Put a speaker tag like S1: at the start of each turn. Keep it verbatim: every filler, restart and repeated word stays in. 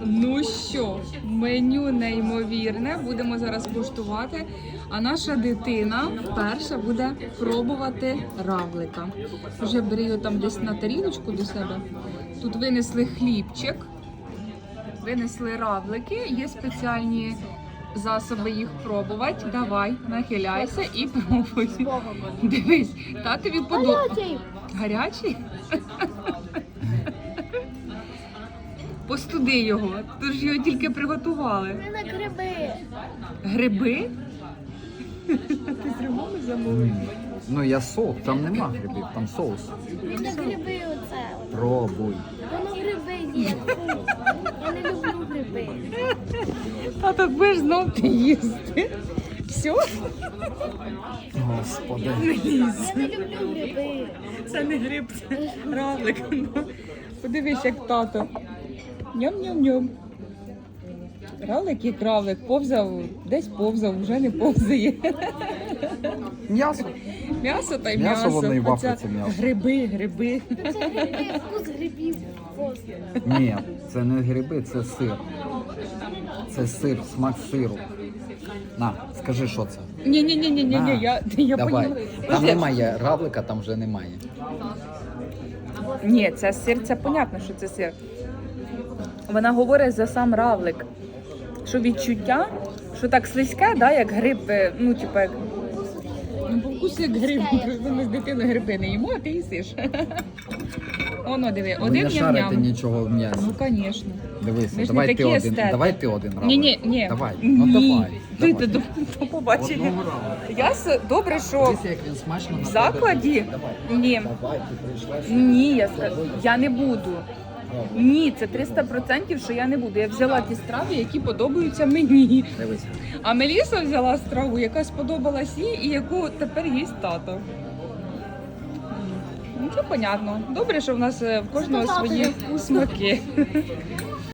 S1: Ну що, меню неймовірне, будемо зараз куштувати. А наша дитина вперше буде пробувати равлика. Вже бери його там десь на тарілочку до себе. Тут винесли хлібчик, винесли равлики, є спеціальні засоби їх пробувати. Давай, нахиляйся і пробуй. Дивись, татові подобається. Гарячий? Постуди його, то ж його тільки приготували.
S2: Це на гриби.
S1: Гриби? Ти з грибами замовив?
S3: Ну я соус, там нема грибів, там соус.
S2: Він на гриби оце.
S3: Пробуй.
S2: Воно гриби є. Я не люблю гриби.
S1: Тато, будеш знов ти їсти. Все?
S3: Господи.
S2: Я не люблю гриби.
S1: Це не гриб, це равлик. Подивись, як тато. Ням-ням-ням. Равлик як равлик. Повзав, десь повзав, вже не повзає.
S3: М'ясо.
S1: М'ясо та й
S3: М'ясо,
S1: м'ясо.
S3: воно і
S1: Оця
S3: вафиться м'ясо.
S1: Гриби, гриби.
S2: Це гриби, вкус грибів. Просто.
S3: Ні, це не гриби, це сир. Це сир, смак сиру. На, скажи, що це.
S1: Ні-ні-ні, ні,
S3: На,
S1: я, я
S3: давай.
S1: поняла.
S3: Там немає равлика, там вже немає.
S1: Ні, це сир, це понятно, що це сир. Вона говорить за сам равлик. Що відчуття, що так слизьке, да, як гриб, е, ну, типу, як... Ну, по вкусу як гриб, просто ми з дитиною гриби не їмо, а ти їсиш. Оно, диви,
S3: Ви
S1: один
S3: не шарите
S1: ням-ням.
S3: нічого в м'ясі.
S1: Ну, звісно.
S3: Дивися,
S1: Ми ж
S3: давай
S1: не
S3: ти
S1: такі
S3: один.
S1: естети.
S3: Давай ти один равлик.
S1: Ні, ні, ні.
S3: Давай. Ну
S1: Ні.
S3: давай.
S1: Ти,
S3: давай.
S1: ти до, до побачення.
S3: Одного равлика.
S1: Я с- добре, що
S3: Дивися, як він смачно
S1: в
S3: на
S1: закладі.
S3: тебе. Давай.
S1: Ні.
S3: Давай, ти прийшла. сюди.
S1: Ні, я, ска- я не буду. Ні, це триста відсотків, що я не буду. Я взяла ті страви, які подобаються мені.
S3: Дивися.
S1: А Меліса взяла страву, яка сподобалась їй і яку тепер їсть тато. Ну, це понятно. Добре, що в нас е, в кожного
S2: Це тато
S1: свої
S2: не вкусно.
S1: смаки.